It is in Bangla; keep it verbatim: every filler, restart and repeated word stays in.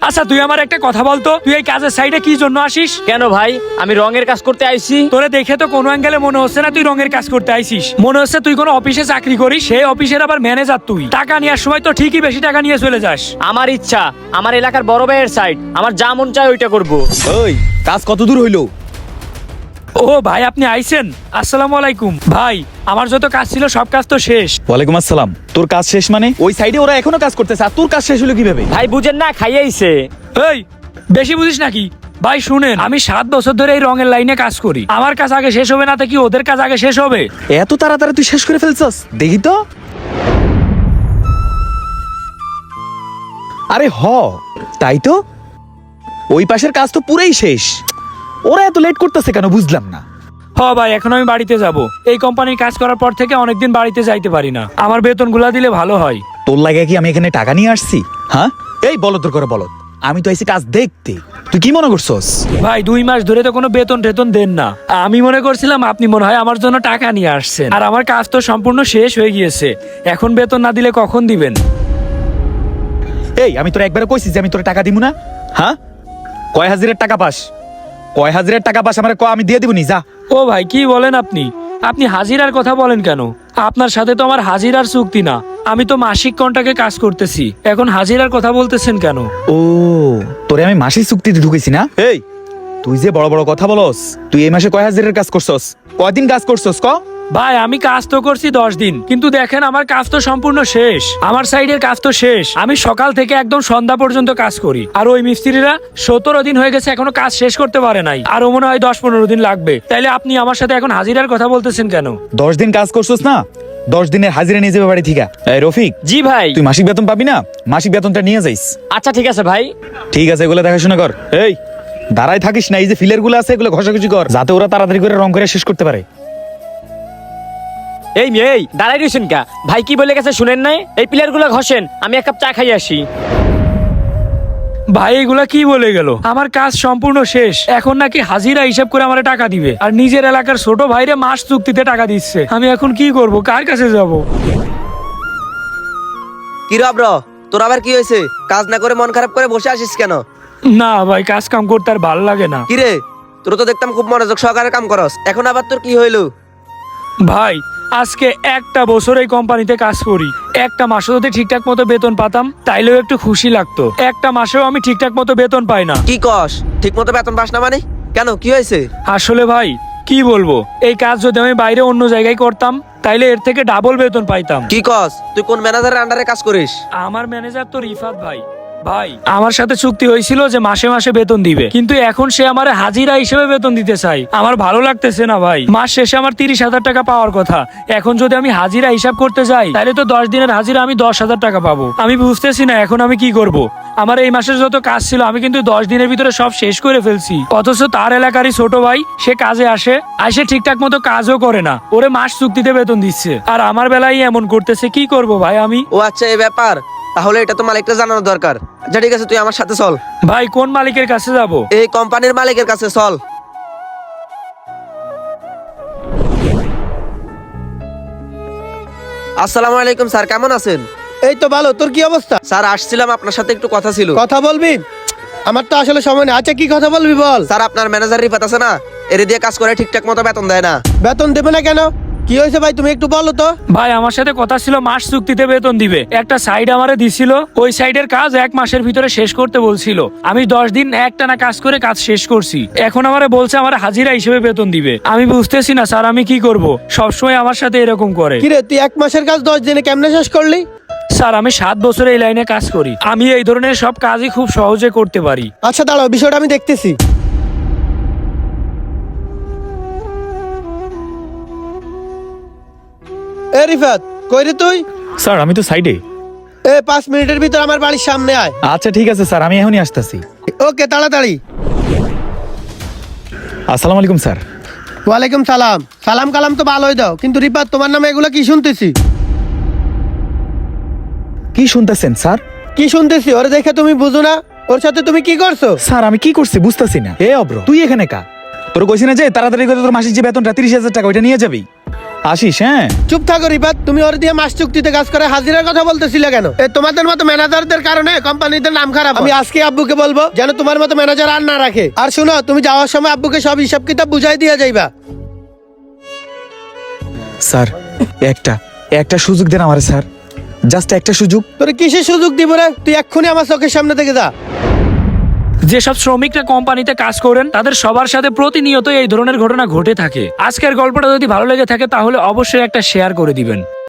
আচ্ছা তুই আমার একটা কথা বলতো, তুই এই কাজের সাইডে কি জন্য আসিস? কেন ভাই, আমি রঙের কাজ করতে আইছি। তোরে দেখে তো কোনো অ্যাঙ্গেলে মনে হচ্ছে না তুই রঙের কাজ করতে আইছিস। মনে হচ্ছে তুই কোনো অফিসে চাকরি করিস, সেই অফিসের আবার ম্যানেজার তুই। টাকা নেওয়ার সময় তো ঠিকই বেশি টাকা নিয়ে চলে যাস। আমার ইচ্ছা, আমার এলাকার বড় ভাইয়ের সাইড, আমার যা মন চায় ওইটা করবো। ওই কাজ কত দূর হইলো? ও ভাই আপনি আইছেন, আসসালামু আলাইকুম। ভাই আমার যত কাজ ছিল সব কাজ তো শেষ। ওয়ালাইকুম আসসালাম। তোর কাজ শেষ মানে? ওই সাইডে ওরা এখনো কাজ করতেছে, আর তোর কাজ শেষ হলো কিভাবে? ভাই বুঝেন না, খাইয়াইছে। এই বেশি বুঝিস নাকি? ভাই শুনেন, আমি সাত বছর ধরে এই রঙের লাইনে কাজ করি। আমার কাজ আগে শেষ হবে না তো কি ওদের কাজ আগে শেষ হবে? এত তাড়াতাড়ি তুই শেষ করে ফেলছস? দেখি তো। আরে হ, তাই তো। ওই পাশের কাজ তো পুরাই শেষ। ওরা এত লেট করতেছে কেন বুঝলাম না। হ ভাই, এখন আমি বাড়িতে যাব। এই কোম্পানির কাজ করার পর থেকে অনেকদিন বাড়িতে যাইতে পারি না। আমার বেতনগুলা দিলে ভালো হয়। তোর লাগে কি আমি এখানে টাকা নিয়ে আসছি? হ্যাঁ, এই বলদ তোর করে বলদ। আমি তো আইছি কাজ দেখতে, তুই কি মনে করছস? ভাই দুই মাস ধরে তো কোনো বেতন টেতন দেন না। আমি মনে করছিলাম আপনি মনে হয় আমার জন্য টাকা নিয়ে আসছেন, আর আমার কাজ তো সম্পূর্ণ শেষ হয়ে গিয়েছে। এখন বেতন না দিলে কখন দিবেন? এই আমি তোর একবারে কইছি যে আমি তোর টাকা দিব না। হ্যাঁ, কয় হাজারের টাকা পাস? কয় হাজারের টাকা পাস আমার ক, আমি দিয়ে দিব নি, যা। ও ভাই কি বলেন আপনি? আপনি হাজিরার কথা বলেন কেন? আপনার সাথে তো আমার হাজিরার চুক্তি না, আমি তো মাসিক কন্ট্রাক্টে কাজ করতেছি। এখন হাজিরার কথা বলতেছেন কেন? ও, তোরে আমি মাসিক চুক্তিতে ঢুকেছি না? এই তুই যে বড় বড় কথা বলস, তুই এই মাসে কয় হাজারের কাজ করছস? কয়দিন কাজ করছস ক? ভাই আমি কাজ তো করছি দশ দিন, কিন্তু দেখেন আমার কাজ তো সম্পূর্ণ শেষ। আমার সাইডের কাজ তো শেষ। আমি সকাল থেকে একদম সন্ধ্যা পর্যন্ত কাজ করি, আর ওই মিস্ত্রিরা সতেরো দিন হয়ে গেছে এখনো কাজ শেষ করতে পারে নাই। আরো মনে হয় দশ পনেরো দিন লাগবে। তাইলে আপনি আমার সাথে এখন হাজিরার কথা বলতেছেন কেন? দশ দিন কাজ করছস না, দশ দিনের হাজিরা নিয়ে যাবে বাড়ি থেকে। এই রফিক, জি ভাই। তুই মাসিক বেতন পাবি না, মাসিক বেতনটা নিয়ে যাইস। আচ্ছা ঠিক আছে ভাই। ঠিক আছে, এগুলো দেখাশোনা কর। এই দাঁড়ায় থাকিস না, এই যে ফিলের গুলো আছে এগুলো ঘষাঘষি কর, যাতে ওরা তাড়াতাড়ি করে রং করে শেষ করতে পারে। এই মেয়ে, এই দাঁড়াই রয়েছেন কা? ভাই কি বলে গেছে শুনেন নাই? এই প্লেয়ার গুলো ঘষেন, আমি এক কাপ চা খাই আসি। ভাই এগুলা কি বলে গেল? আমার কাজ সম্পূর্ণ শেষ, এখন নাকি হাজিরা হিসাব করে আমার টাকা দিবে, আর নিজের এলাকার ছোট ভাইরে মাস চুক্তিতে টাকা দিচ্ছে। আমি এখন কি করব? কার কাছে যাব? কি রব র, তোর আবার কি হয়েছে? কাজ না করে মন খারাপ করে বসে আসিস কেন? না ভাই, কাজ কাম করতে আর ভালো লাগে না। কি রে, তোর তো দেখতাম খুব মনোযোগ সহকারে কাম করস, এখন আবার তোর কি হইলো? ভাই আজকে একটা বছর এই কোম্পানিতে কাজ করি, একটা মাসও যদি ঠিকঠাক মতো বেতন পাতাম তাইলেও একটু খুশি লাগতো। একটা মাসেও আমি ঠিকঠাক মতো বেতন পাই না। কি কস? ঠিক মতো বেতন পাস না মানে? কেন, কি হয়েছে? আসলে ভাই কি বলবো, এই কাজ যদি আমি বাইরে অন্য জায়গায় করতাম তাইলে এর থেকে ডাবল বেতন পাইতাম। কি কস? তুই কোন ম্যানেজারের আন্ডারে কাজ করিস? আমার ম্যানেজার তো রিফাত ভাই। ভাই আমার সাথে চুক্তি হয়েছিল যে মাসে মাসে বেতন দিবে, কিন্তু এখন সে আমার হাজিরা হিসেবে বেতন দিতে চাই। আমার ভালো লাগতেছে না ভাই। মাস শেষে আমার তিরিশ হাজার টাকা পাওয়ার কথা, এখন যদি আমি হাজিরা হিসাব করতে যাই তাহলে তো দশ দিনের হাজিরা আমি দশ হাজার টাকা পাবো। আমি বুঝতেছি না এখন আমি কি করব। আমার এই মাসের যত কাজ ছিল আমি কিন্তু দশ দিনের ভিতরে সব শেষ করে ফেলছি, অথচ তার এলাকারই ছোট ভাই সে কাজে আসে, আসে ঠিকঠাক মতো কাজও করে না, ওরে মাস চুক্তিতে বেতন দিচ্ছে, আর আমার বেলায় এমন করতেছে। কি করব ভাই আমি? ও আচ্ছা, এই ব্যাপার। তাহলে এটা তো মালিকটা জানানো দরকার। আচ্ছা ঠিক আছে, তুই আমার সাথে চল। ভাই কোন মালিকের কাছে যাব? এই কোম্পানির মালিকের কাছে চল। আসসালামু আলাইকুম স্যার, কেমন আছেন? এই তো ভালো। তোর কি অবস্থা? স্যার আসছিলাম, আপনার সাথে একটু কথা ছিল। কথা বলবি? আমার তো আসলে সময় নেই। আচ্ছা কি কথা বলবি বল। স্যার আপনার ম্যানেজার রিফাত আছে না, এর দিয়ে কাজ করে ঠিকঠাক মতো বেতন দেয় না। বেতন দেবে না কেন? কি হয়েছে ভাই, তুমি একটু বলো তো। ভাই আমার সাথে কথা ছিল মাস চুক্তিতে বেতন দিবে, একটা সাইড আমারে দিছিল, ওই সাইডের কাজ এক মাসের ভিতরে শেষ করতে বলছিল। আমি দশ দিন একটানা কাজ করে কাজ শেষ করছি, এখন আমারে বলছে আমার হাজিরা হিসেবে বেতন দিবে। আমি বুঝতেছি না স্যার আমি কি করব, সবসময় আমার সাথে এরকম করে। কিরে, তুই এক মাসের কাজ দশ দিনে কেমনে শেষ করলি? স্যার আমি সাত বছর এই লাইনে কাজ করি, আমি এই ধরনের সব কাজই খুব সহজে করতে পারি। আচ্ছা দাঁড়াও, বিষয়টা আমি দেখতেছি। এ রিফাত, কই রে তুই? স্যার আমি তো সাইডে। এ পাঁচ মিনিটের ভিতর আমার বাড়ির সামনে আয়। আচ্ছা ঠিক আছে স্যার, আমি এখনই আসতেছি। ওকে, তাড়াতাড়ি। আসসালামু আলাইকুম স্যার। ওয়ালাইকুম সালাম। সালাম কালাম তো ভালোই দাও, কিন্তু রিফাত তোমার নামে এগুলো কি শুনতেছি? কি শুনতেছেন স্যার? কি শুনতেছি? ওরে দেখে তুমি বুঝো না? ওর সাথে তুমি কি করছো? স্যার আমি কি করছি বুঝতেছি না। এ অব্র, তুই এখানে কা? তোর কইছি না যে তাড়াতাড়ি করে তোর মাসিক যে বেতনটা তিরিশ হাজার টাকা ওইটা নিয়ে যাবি? আসিস হ্যাঁ। চুপ থাকো রিফাত, তুমি ওর দিয়ে মাস চুক্তিতে কাজ করে হাজিরার কথা বলতেছিলে কেন? এ তোমাদের মতো ম্যানেজারদের কারণে কোম্পানিতে নাম খারাপ। আমি আজকে আব্বুকে বলবো যেন তোমার মতো ম্যানেজার আর না রাখে। আর শুনো, তুমি যাওয়ার সময় আব্বুকে সব হিসাব কিতাব বুঝাই দিয়ে যাইবা। স্যার একটা একটা সুযোগ দেন আমারে স্যার, জাস্ট একটা সুযোগ। তোর কিসের সুযোগ দিব রে? তুই এক্ষুনি আমার চোখের সামনে থেকে যা। যেসব শ্রমিকরা কোম্পানিতে কাজ করেন তাদের সবার সাথে প্রতিনিয়ত এই ধরনের ঘটনা ঘটে থাকে। আজকের গল্পটা যদি ভালো লেগে থাকে তাহলে অবশ্যই একটা শেয়ার করে দিবেন।